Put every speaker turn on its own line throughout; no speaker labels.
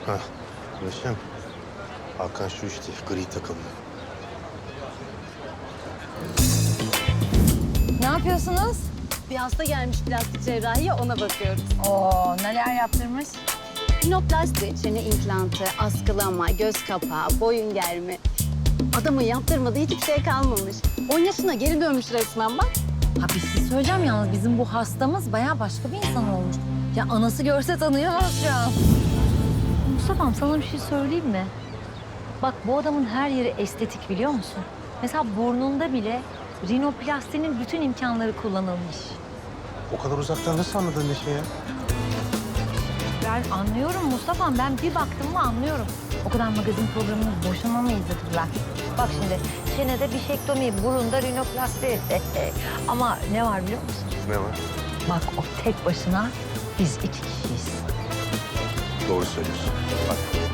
Ha, Neşem. Hakan şu işte gri takımlı.
Ne yapıyorsunuz?
Bir hasta gelmiş plastik cerrahiye, ona bakıyoruz.
Oo, neler yaptırmış?
Rinoplasti, çene implantı, askılama, göz kapağı, boyun germe. Adamın yaptırmadığı hiçbir şey kalmamış. 10 yaşına geri dönmüş resmen bak.
Ha bir şey söyleyeceğim yalnız bizim bu hastamız bayağı başka bir insan olmuş. Ya anası görse tanıyamaz şu an. Mustafa'm sana bir şey söyleyeyim mi? Bak bu adamın her yeri estetik biliyor musun? Mesela burnunda bile rinoplastinin bütün imkanları kullanılmış.
O kadar uzaktan nasıl anladın Neşe ya?
Ben anlıyorum Mustafa'm. Ben bir baktım mı anlıyorum. O kadar magazin programını boşuna mı izlediler? Bak şimdi çenede bişektomi, burunda rinoplasti. Ama ne var biliyor musun?
Ne var?
Bak o tek başına biz 2 kişiyiz.
Doğru söylüyorsun. Bak.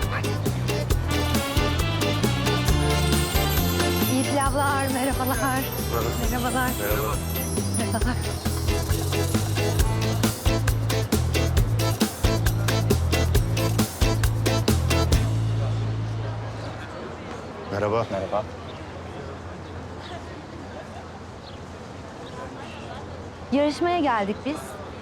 İyi pilavlar, merhabalar. Merhabalar.
Merhaba.
Merhabalar.
Merhaba.
Merhaba.
Yarışmaya geldik biz.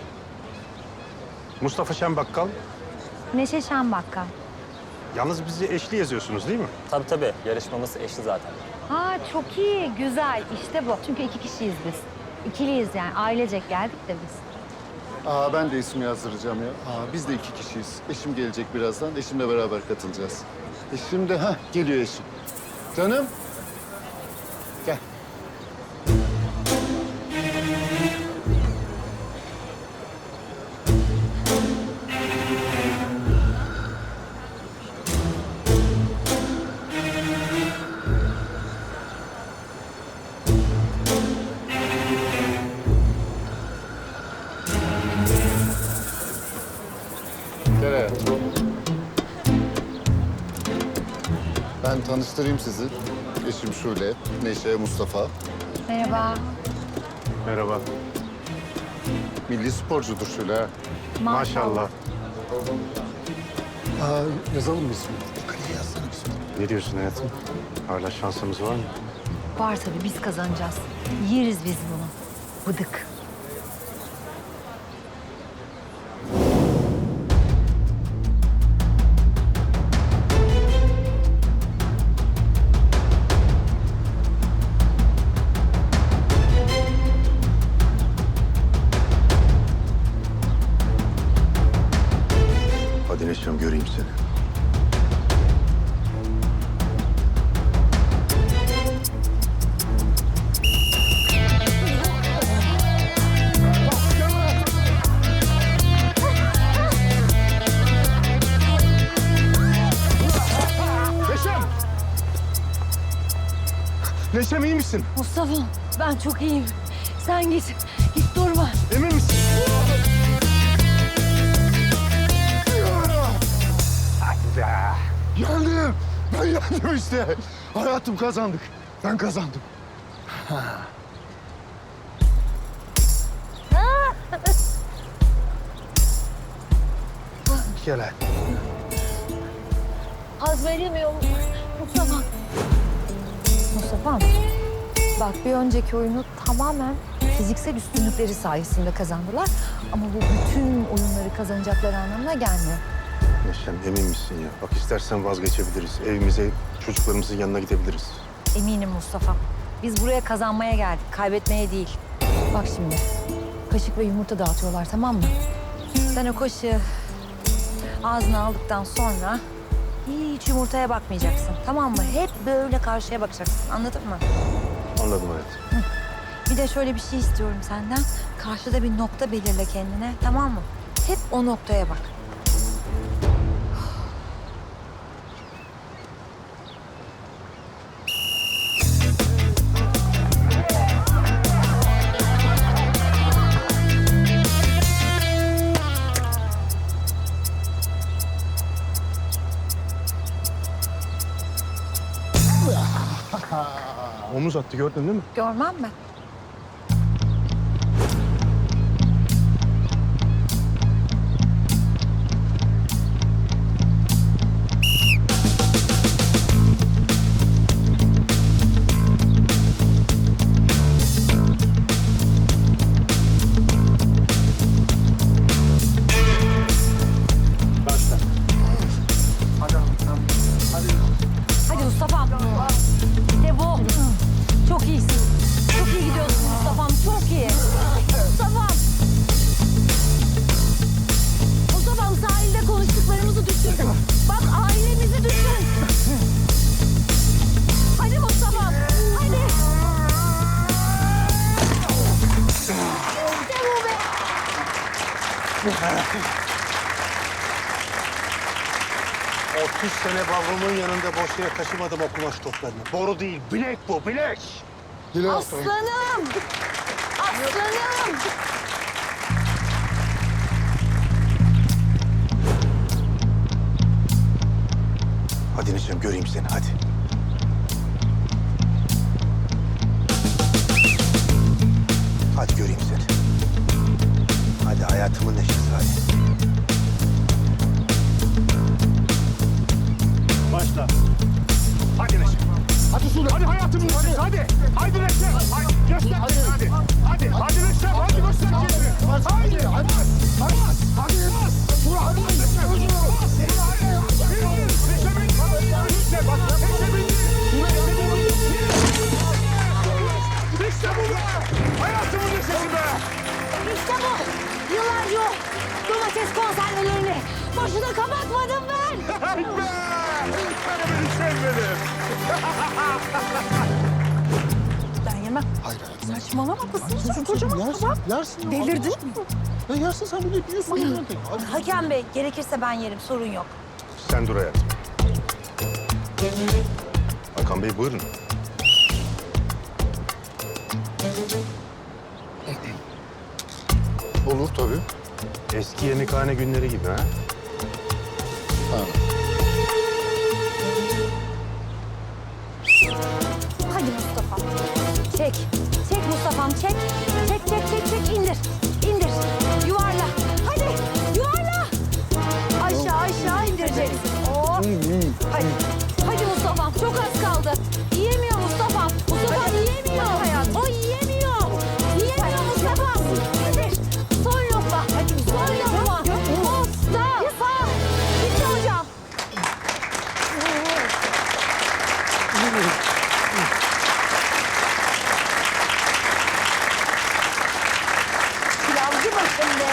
Mustafa Şen Bakkal.
Neşe Şenbakkal.
Yalnız bizi eşli yazıyorsunuz değil mi?
Tabii. Yarışmamız eşli zaten.
Ha çok iyi, güzel. İşte bu. Çünkü 2 kişiyiz biz. İkiliyiz yani. Ailecek geldik de biz.
Ben de isim yazdıracağım ya. Biz de 2 kişiyiz. Eşim gelecek birazdan. Eşimle beraber katılacağız. Eşim de geliyor eşim. Canım. Gel. Gel hayatım. Ben tanıştırayım sizi. Eşim Şule, Neşe, Mustafa.
Merhaba.
Merhaba.
Milli sporcudur Şule ha.
Maşallah.
Yazalım mı ismini? Kaleye yazsana ismini.
Ne diyorsun hayatım? Hala şansımız var mı?
Var tabii biz kazanacağız. Yeriz biz bunu. Bıdık.
Hadi Neşem göreyim seni. Neşem! Neşem iyi misin?
Mustafa ben çok iyiyim. Sen git. Git durma.
Emin misin? Hadi be.
Geldim. Ben geldim işte. Hayatım kazandık. Ben kazandım.
Gel hadi.
Hazmedemiyorum Mustafa. Mustafa'm bak bir önceki oyunu tamamen fiziksel üstünlükleri sayesinde kazandılar. Ama bu bütün oyunları kazanacakları anlamına gelmiyor.
Neşem emin misin ya? Bak istersen vazgeçebiliriz. Evimize, çocuklarımızın yanına gidebiliriz.
Eminim Mustafa. Biz buraya kazanmaya geldik, kaybetmeye değil. Bak şimdi, kaşık ve yumurta dağıtıyorlar tamam mı? Sen o kaşığı ağzına aldıktan sonra hiç yumurtaya bakmayacaksın tamam mı? Hep böyle karşıya bakacaksın anladın mı?
Anladım hayatım.
Bir de şöyle bir şey istiyorum senden. Karşıda bir nokta belirle kendine tamam mı? Hep o noktaya bak.
Omuz attı gördün değil mi?
Görmem mi?
...30 sene babamın yanında boş yere taşımadım o kumaş toplarını. Boru değil, bilek bu, bilek.
Aslanım! Aslanım!
Hadi Neşem, göreyim seni, hadi. Hadi göreyim seni. Hadi hayatımın neşesi, hadi.
Başla. Hadi Neşe. Hadi Sulu. Hadi hayatımın neşesi. Hadi. Hadi Neşe. Hadi. Göster. Hadi. Hadi. Hadi Neşe. Hadi göster kendini. Hadi. Hadi. Hadi. Hadi. Sulu. Hadi Neşe. Hadi. Neşe bin. Neşe bak. Neşe bin. İşte bu be. Hayatımın neşesi be.
İşte bu! Yıllarca o domates konservelerini boşuna kapatmadım ben!
Hadi be. Benim Neşem benim.
Ben yemem.
Hayır hayatım.
Saçmalama kızım. Kocaman
Yersin,
tabak.
yersin.
Delirdin mi?
Ya yersin sen bunu biliyorsun. Hadi.
Hakem Bey, gerekirse ben yerim. Sorun yok.
Sen dur hayatım. Hakan Bey buyurun.
Olur tabii.
Eski yemekhane günleri gibi ha.
Ha.
Hadi Mustafa. Çek. Çek Mustafa'm, çek. Çek, çek, çek, çek. İndir. İndir. Yuvarla. Hadi, yuvarla. Aşağı, aşağı indireceksin. Oh. Hadi. Hadi Mustafa'm, çok az kaldı. Yiyemiyor Mustafa'm. Mustafa'm yiyemiyor. O yiyemiyor. Yiyemiyor Mustafa'm. İndir. Son lokma. Hadi son lokma. Mustafa. Bitti hocam. Pilavcı başında.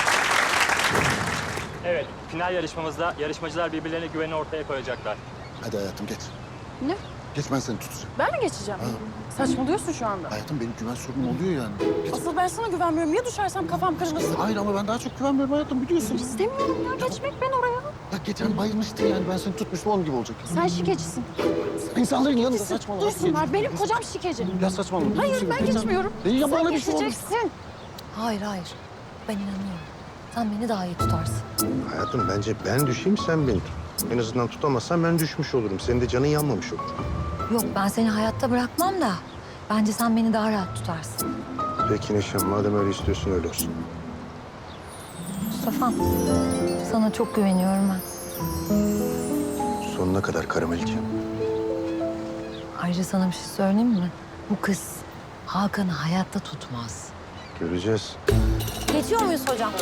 Evet, final yarışmamızda yarışmacılar birbirlerine güveni ortaya koyacaklar.
Hadi hayatım geç.
Ne?
Geç ben seni tutacağım.
Ben mi geçeceğim? Saçmalıyorsun şu anda.
Hayatım benim güven sorunum oluyor yani. Geç.
Asıl ben sana güvenmiyorum. Ya düşersem kafam kırılırsın.
Hayır ama ben daha çok güvenmiyorum hayatım biliyorsun.
İstemiyorum ya. Geçmek ben oraya.
Ya geçen bayılmıştın yani ben seni tutmuştum onun gibi olacak.
Sen şikecisin.
İnsanların yanında saçmalama.
Duysunlar. Benim kocam şikeci.
Ya saçmalama.
Hayır ben geçmiyorum.
Ya bana
Sen
bir şey olur.
geçeceksin.
Hayır, hayır. Ben inanıyorum. Sen beni daha iyi tutarsın.
Hayatım bence ben düşeyim, sen beni tut. En azından tutamazsan ben düşmüş olurum. Senin de canın yanmamış olur.
Yok, ben seni hayatta bırakmam da bence sen beni daha rahat tutarsın.
Peki Neşem, madem öyle istiyorsun öyle olsun.
Mustafa'm, sana çok güveniyorum ben.
Sonuna kadar karameliciğim.
Ayrıca sana bir şey söyleyeyim mi? Bu kız Hakan'ı hayatta tutmaz.
Göreceğiz.
Geçiyor muyuz hocam?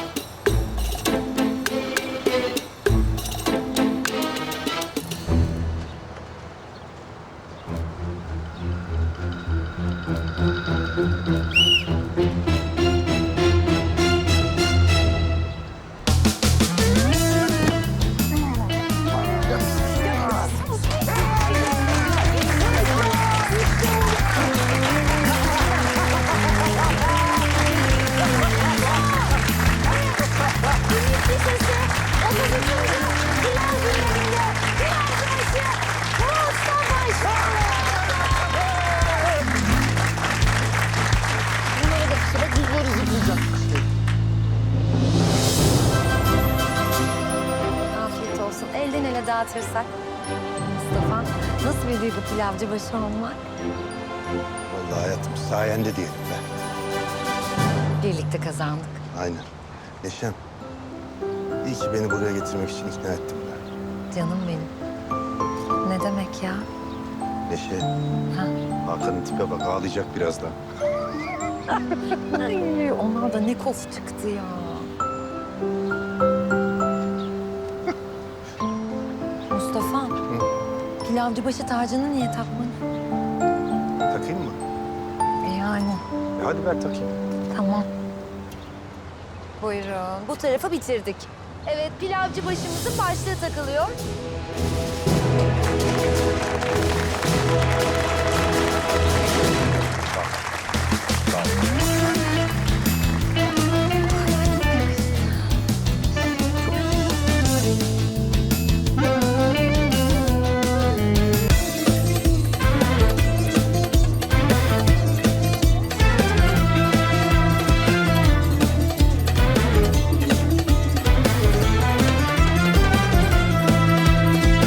Afiyet olsun. Elden ele dağıtırsak. Mustafa, nasıl bir duygu pilavcı başı olmak?
Vallahi hayatım sayende diyelim be.
Birlikte kazandık.
Aynen. Neşem, iyi ki beni buraya getirmek için ikna ettin be.
Canım benim. Ne demek ya?
Neşe,
Ha?
Hakan'ın tipe bak, ağlayacak birazdan.
Ay, onlar da ne kof çıktı ya. Mustafa, pilavcı başı tacını niye takmadın?
Takayım mı?
Yani
Hadi ver takayım.
tamam. Buyurun. Bu tarafı bitirdik. Evet, pilavcı başımızın başlığı takılıyor.
Sağ ol.